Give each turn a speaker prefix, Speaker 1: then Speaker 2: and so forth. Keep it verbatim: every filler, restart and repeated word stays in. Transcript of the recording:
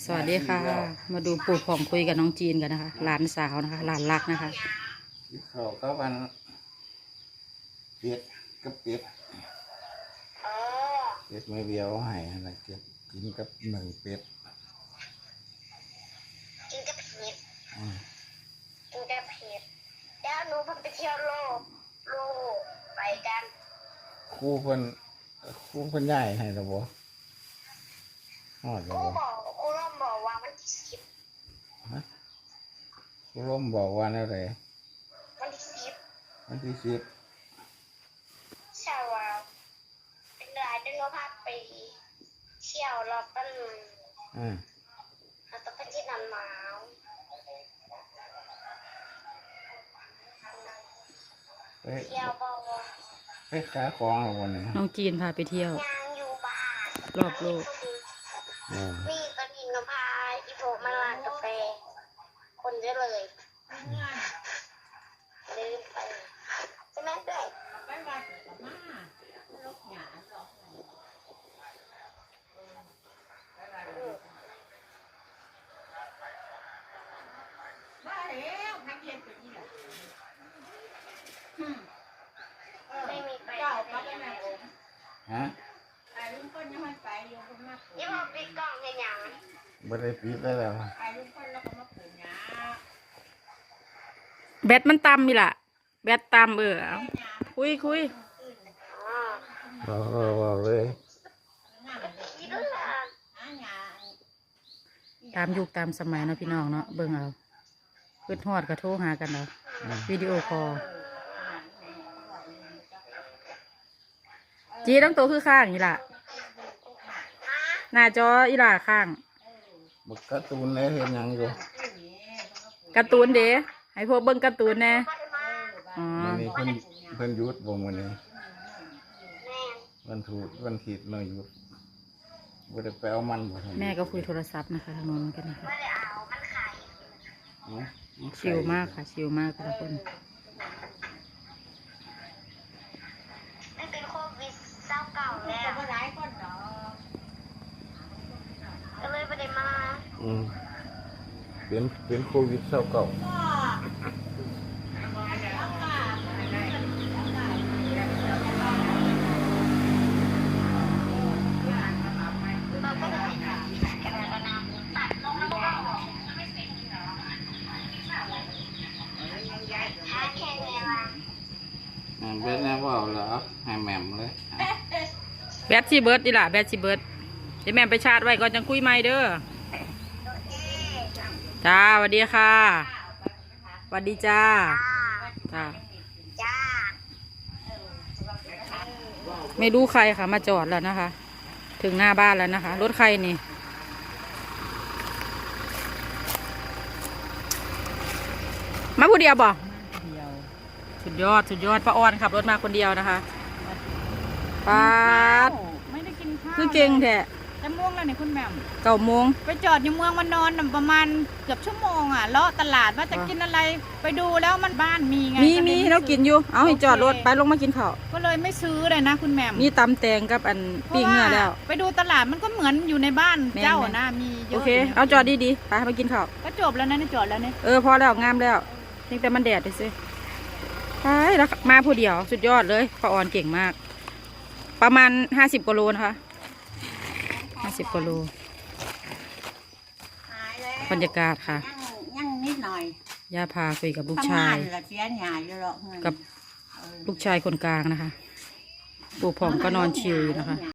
Speaker 1: สวัสดีค่ะ มาดูปู่ผ่องคุยกับน้องจีนกันนะคะหลานสาวนะคะหลานรักนะคะ
Speaker 2: เขาก็วันเป็ดกับเป็ดเป็ดไม่เบียวให้อะไรเก็บกินกับหนึ่งเป็ด
Speaker 3: กินกับเผ็ดกินกับเผ็ดแล้วหนูเพิ่งไปเที่ยวโลกโลกไปกัน
Speaker 2: ครูเพิ่นครูเพิ่นใหญ่ให้หรอบ่ฮอดหรอ
Speaker 3: ครู
Speaker 2: บ่
Speaker 3: บอกครูร่มบอกว่าวันที่สิบ
Speaker 2: ฮะครูร่มบอกว่าอะไร
Speaker 3: วันที่สิบ
Speaker 2: วันที่สิบ
Speaker 3: ใช่ว่าเป็นรายเดือนพาไปเที่ยวรอบต้น
Speaker 2: อ่า
Speaker 3: เราต้องไปที่น้ำหนาว
Speaker 2: ไป
Speaker 3: เที่ยวบอกว่า
Speaker 2: ไปขายของหรอวันนี้
Speaker 1: น้องจีนพาไปเที่ยว
Speaker 3: งานอยู่บ้าน
Speaker 1: รอบโลก
Speaker 3: นี่ตอนนี้ก็พาอีโฟมาร้านกาแฟคนเยอะเลยลืมไปใช่ไหมด้วย
Speaker 4: ไปวัดกับมาลกหยาหรอกมาแล้วนักเรียนไปนี่แหละ
Speaker 3: ไม่มีไป
Speaker 4: เจ้าก็ไปไหนผม
Speaker 2: ฮะ
Speaker 4: ไอ้ลุงคนยังไม่ไปอยู่ก็มาปลูก
Speaker 3: ยี่ห้อปิดกล้องเห็นยัง
Speaker 2: บ่ได้ปิดได้แล้ว
Speaker 4: ไอ้ลุงคนแล้วก็มาปลูกหญ้า
Speaker 1: แบตมันต่ำนี่ล่ะแบตต่ำเออเอาคุยคุย
Speaker 2: บอกบอกเลย
Speaker 3: อีด้วยล่ะ
Speaker 1: ตามยุคตามสมัยเนาะพี่น้องเนาะเบิ่งเอาขึ้นฮอดกระโทรหากันเอาวิดีโอคอลจีต้องโตคือข้างนี่ล่ะหน้าจออีหล่าข้าง
Speaker 2: บักการ์ตูนเลยเห็นยังอยู่
Speaker 1: การ์ตูนเด้ให้พวกเบิ่งการ์ตูนแน่อ๋อ
Speaker 2: วันนี้เพิ่นเพิ่นหยุดบ่มื้อนี้วันถูกวันผิดเนาะหยุดบ่ได้ไปเอามันบ่
Speaker 1: แม่ก็คุยโทรศัพท์นะคะทางโน้นกันนะคะ
Speaker 3: ไม่ได้เอามันไข่
Speaker 1: ชิลมากค่ะชิลมากทุกคน
Speaker 3: มันเป็นโควิดเศร้าเก่าแล้ว
Speaker 4: ก็หลายคนดอก
Speaker 3: ก็เลยไม่ได้มา
Speaker 2: อืมเป็นเป็นโควิดเศร้าเก่าเบ็ดแน่ว่าเหรอให้แหม่มเลย
Speaker 1: แบตซีเบิร์ดดีล่ะแบตซีเบิร์ดเดี๋ยวแม่ไปชาร์จไว้ก่อนจังคุยไม่เด้อจ้าสวัสดีค่ะสวัสดีจ้าจ้า
Speaker 3: จ้า
Speaker 1: ไม่รู้ใครค่ะมาจอดแล้วนะคะถึงหน้าบ้านแล้วนะคะรถใครนี่มาผู้เดียวบ่สุดยอดสุดยอดป้าออนขับรถมาคนเดียวนะคะป้า
Speaker 4: ไม่ได้กินข้าว
Speaker 1: คือเก่งแท้
Speaker 4: จะม่วงแล้วเนี่ยคุณแม่
Speaker 1: เก้าโมง
Speaker 4: ไปจอดอยู่เมืองมันนอนประมาณเกือบชั่วโมงอ่ะเลาะตลาดว่าจะกินอะไรไปดูแล้วมันบ้านมีไง
Speaker 1: มีมีเรากินอยู่เอาให้จอดรถไปลงมากินข้าว
Speaker 4: ก็เลยไม่ซื้อเลยนะคุณแม่
Speaker 1: มีตำแตงกับอันปิ้งเนื้อแล้ว
Speaker 4: ไปดูตลาดมันก็เหมือนอยู่ในบ้านเจ้านะมีเยอะ
Speaker 1: โอเคเอาจอดดีๆไปมากินข้าว
Speaker 4: ก็จบแล้วนะนี่จอดแล้วเนี่ย
Speaker 1: เออพอแล้วงามแล้วเพียงแต่มันแดดไปสิใช่แล้วมาผู้เดียวสุดยอดเลยป้าออนเก่งมากประมาณห้าสิบกิโลนะคะห้าสิบกิโลบรรยากาศค่ะ
Speaker 4: ยังนิดหน่อย
Speaker 1: ย่าพาคุยกับลูกชายกับลูกชายคนกลางนะคะปู่ผ่องก็นอนชิลอยู่นะคะ